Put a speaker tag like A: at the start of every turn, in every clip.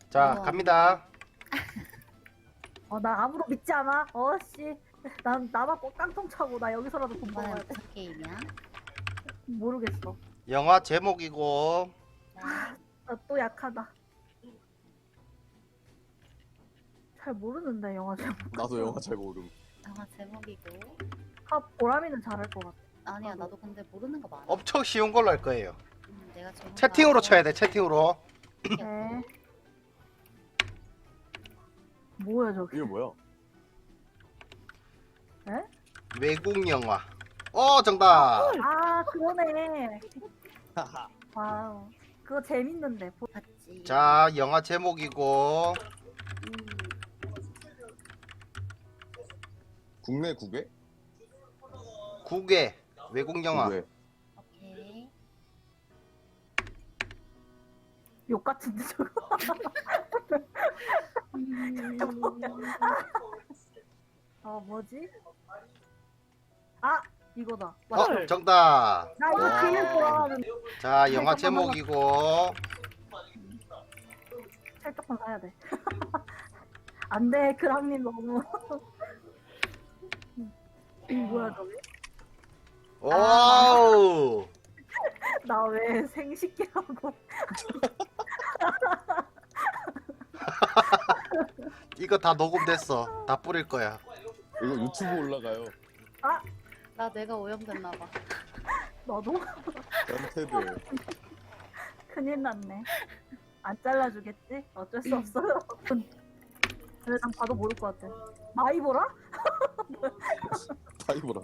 A: 자,
B: 어.
A: 갑니다.
C: 나 아무도 믿지 않아. 씨. 난 나만 꼭 깡통 차고 나 여기서라도 돈
B: 이번엔
C: 벌어야 돼.
B: 무슨 게임이야?
C: 모르겠어.
A: 영화 제목이고
C: 나 또 약하다. 잘 모르는데 영화 제목.
D: 나도 영화 잘 모름.
B: 영화 제목이고.
C: 보람이는 잘할 것 같아.
B: 아니야, 나도 근데 모르는 거 많아.
A: 엄청 쉬운 걸로 할 거예요.
B: 내가 전문가
A: 채팅으로
B: 아니라
A: 쳐야 돼. 채팅으로.
C: 네. 뭐야 저기?
D: 이거 뭐야?
A: 외국 영화. 정답.
C: 그러네. 와우. 그거 재밌는데.
B: 봤지.
A: 자, 영화 제목이고
D: 국내 국외?
A: 국외 외국 영화.
D: 국외.
B: 오케이.
C: 욕 같은데 저거. 뭐지? 이거다. 맞죠?
A: 정답.
C: 나 이거
D: 와.
C: 제일 좋아하는.
A: 자, 영화 제목이고
C: 찰떡만 사야 돼. 안 돼, 그랑님 너무. 뭐야 저게?
A: 오우.
C: 나 왜 생식기라고?
A: 이거 다 녹음됐어. 다 뿌릴 거야.
D: 이거 유튜브 올라가요.
B: 나 내가 오염됐나 봐.
C: 너도?
D: 연태드.
C: 큰일 났네. 안 잘라주겠지? 어쩔 수 없어요. 근데 난 봐도 모를 것 같아. 마이보라?
D: 파이브라.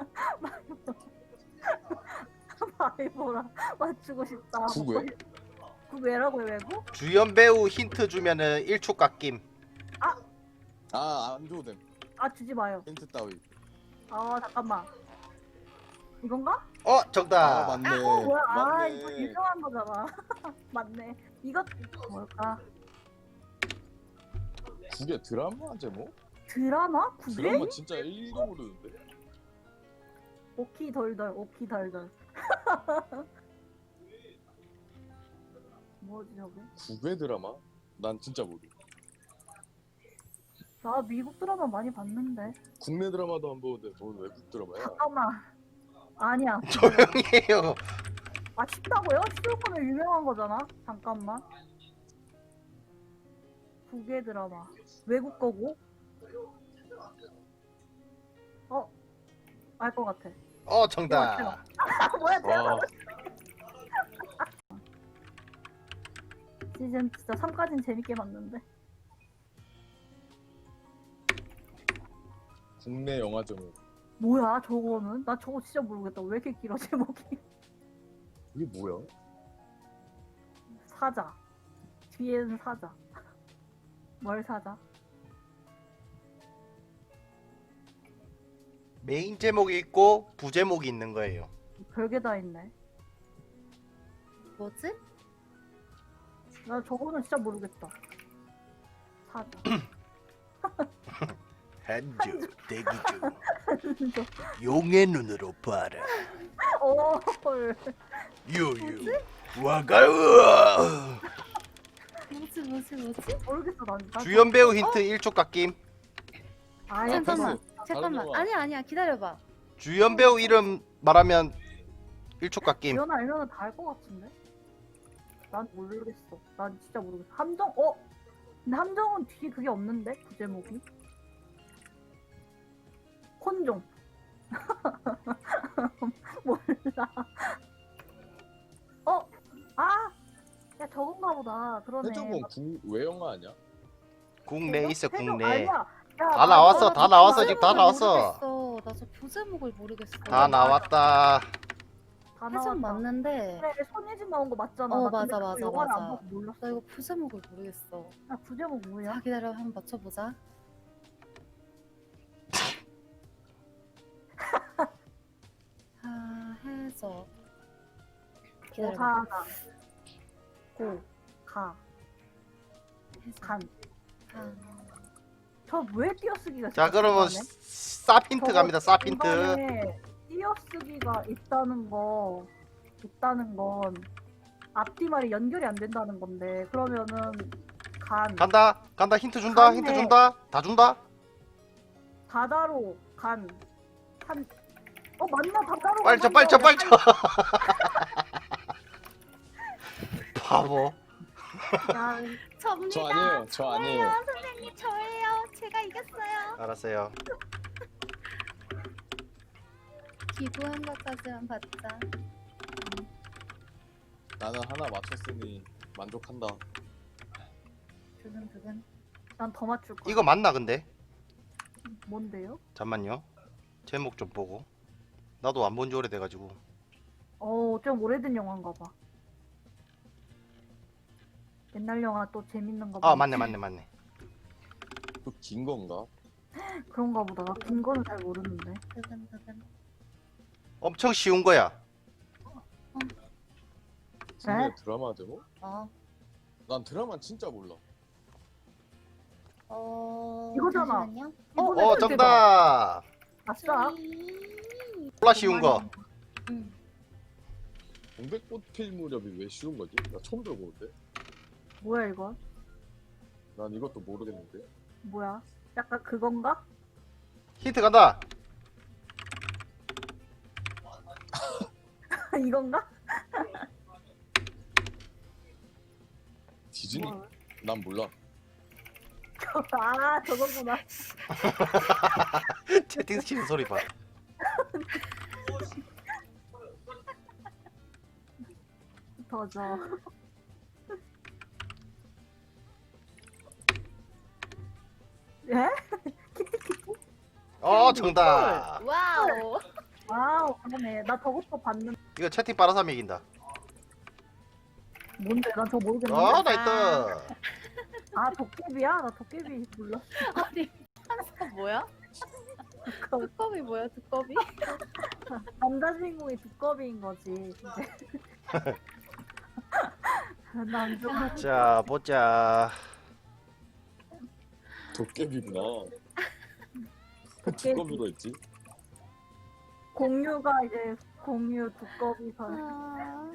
C: 마이보라 맞추고 싶다.
D: 국외?
C: 국외라고요, 외국?
A: 주연 배우 힌트 주면은 1초 깎임.
D: 안 줘도 됨.
C: 주지 마요.
D: 힌트 따위.
C: 잠깐만. 이건가?
A: 정답.
D: 맞네.
C: 뭐야?
D: 맞네.
C: 이거 유명한 거잖아. 맞네. 이거 뭘까?
D: 국외 드라마 제목?
C: 드라마? 국외?
D: 드라마 진짜 1도 모르는데?
C: 오키 덜덜, 오키 덜덜. 뭐지 저게?
D: 국외 드라마? 난 진짜 모르.
C: 나 미국 드라마 많이 봤는데.
D: 국내 드라마도 안 보는데 뭔 외국 드라마야?
C: 잠깐만. 아니야.
A: 조용히 해요.
C: 쉽다고요? 쉬울 거면 유명한 거잖아. 잠깐만. 국외 드라마. 외국 거고. 알 것 같아.
A: 정답.
C: 뭐야,
D: 와,
C: 시즌 진짜 3까지는 재밌게 봤는데.
D: 국내 영화 제목.
C: 뭐야, 저거는? 나 저거 진짜 모르겠다. 왜 이렇게 길어, 제목이?
D: 이게 뭐야?
C: 사자. 뒤에는 사자. 뭘 사자?
A: 메인 제목이 있고 부제목이 있는 거예요.
C: 별게 다 있네.
B: 뭐지?
C: 나 저거는 진짜 모르겠다. 사자.
A: 한주 대기 중. 용의 눈으로 봐라.
C: 헐.
A: 유유. 와가우.
B: 뭐지?
C: 모르겠어, 난.
A: 주연 배우 힌트 1초 깎임.
C: 아예
B: 잠깐만.
D: 패스.
B: 잠깐만.
D: 다른 영화.
B: 아니야, 기다려봐.
A: 주연 배우 이름 말하면 1초 깎임.
C: 지연 알면은 다 알 것 같은데? 난 모르겠어. 난 진짜 모르겠어. 함정, 근데 함정은 뒤에 그게 없는데? 그 제목이? 혼종. 몰라. 야, 저건가 보다. 그러네.
D: 해적은 국외 영화 아니야?
A: 국내 있어
C: 해적
A: 국내.
C: 아니야. 야,
A: 다 나왔어, 다 나왔어,
C: 나
A: 지금 다 나왔어.
B: 나 저 부제목을 모르겠어.
A: 다 나왔다.
C: 다
B: 해적
C: 나왔다.
B: 맞는데
C: 그래, 손예진 나온 거 맞잖아.
B: 어,
C: 나 근데
B: 맞아,
C: 그거
B: 맞아,
C: 영화를 안
B: 맞아.
C: 봐서 몰랐어.
B: 나 이거 부제목을 모르겠어.
C: 야, 부제목 뭐야?
B: 자, 기다려. 한번 맞춰보자. 해적. 기다려봐.
C: 사가 고, 가,
B: 해적.
C: 간.
B: 간.
C: 저 왜 띄어쓰기가
A: 자, 그러면 쌉 힌트 갑니다. 쌉 힌트.
C: 중간에 띄어쓰기가 있다는 건 앞뒤 말이 연결이 안 된다는 건데, 그러면은
A: 간다 간다 힌트 준다 힌트
C: 갔네.
A: 준다 다 준다.
C: 바다로 간. 맞나? 바다로
A: 빨리 쳐
C: 간
A: 빨리 쳐
C: 거.
A: 빨리 쳐. 바보.
C: 야,
B: 접니다.
D: 저 아니에요. 저 아니에요.
B: 선생님 저예요. 제가 이겼어요.
A: 알았어요.
B: 기부한 것까지만 받자.
D: 나는 하나 맞췄으니 만족한다.
B: 두근두근.
C: 난 더 맞출 거야.
A: 이거 맞나 근데?
C: 뭔데요?
A: 잠만요. 제목 좀 보고. 나도 안 본 지 오래돼가지고.
C: 좀 오래된 영화인가 봐. 옛날 영화 또 재밌는 거 봐.
A: 아 맞네 맞네 맞네.
D: 또 긴 건가?
C: 그런가 보다. 나 긴 거는 잘 모르는데.
B: 두근두근.
A: 엄청 쉬운 거야.
D: 진짜 드라마 제목?
B: 어.
D: 난 드라마 진짜 몰라.
C: 이거잖아.
B: 잠시만요.
C: 이번에
A: 어
C: 그때
A: 정답.
C: 아싸.
A: 몰라 쉬운 거.
B: 응.
D: 동백꽃 필 무렵이 왜 쉬운 거지? 나 처음 들어보는데.
C: 뭐야 이거?
D: 난 이것도 모르겠는데.
C: 뭐야? 약간 그건가?
A: 힌트 간다.
C: 이건가?
D: 디즈니?
C: 뭐야?
D: 난 몰라.
C: 아 저거구나.
A: 채팅 치는 소리 봐.
C: 더져. 예?
A: 어 정답.
B: 와우.
C: 와우 그러네. 나 저것도 봤는데
A: 이거 채팅 빨아서 이긴다.
C: 뭔데? 난 저거 모르겠는데.
A: 어 나이스.
C: 아 도깨비야? 나 도깨비 몰라.
B: 아니 한사 뭐야? 두꺼비 뭐야 두꺼비?
C: 남자 주인공이 두꺼비인 거지. 근데. 남자
A: 자 보자.
D: 도깨비구나.
C: 도깨비.
D: 두꺼비가 있지?
C: 공유가 이제 공유 두꺼비 선.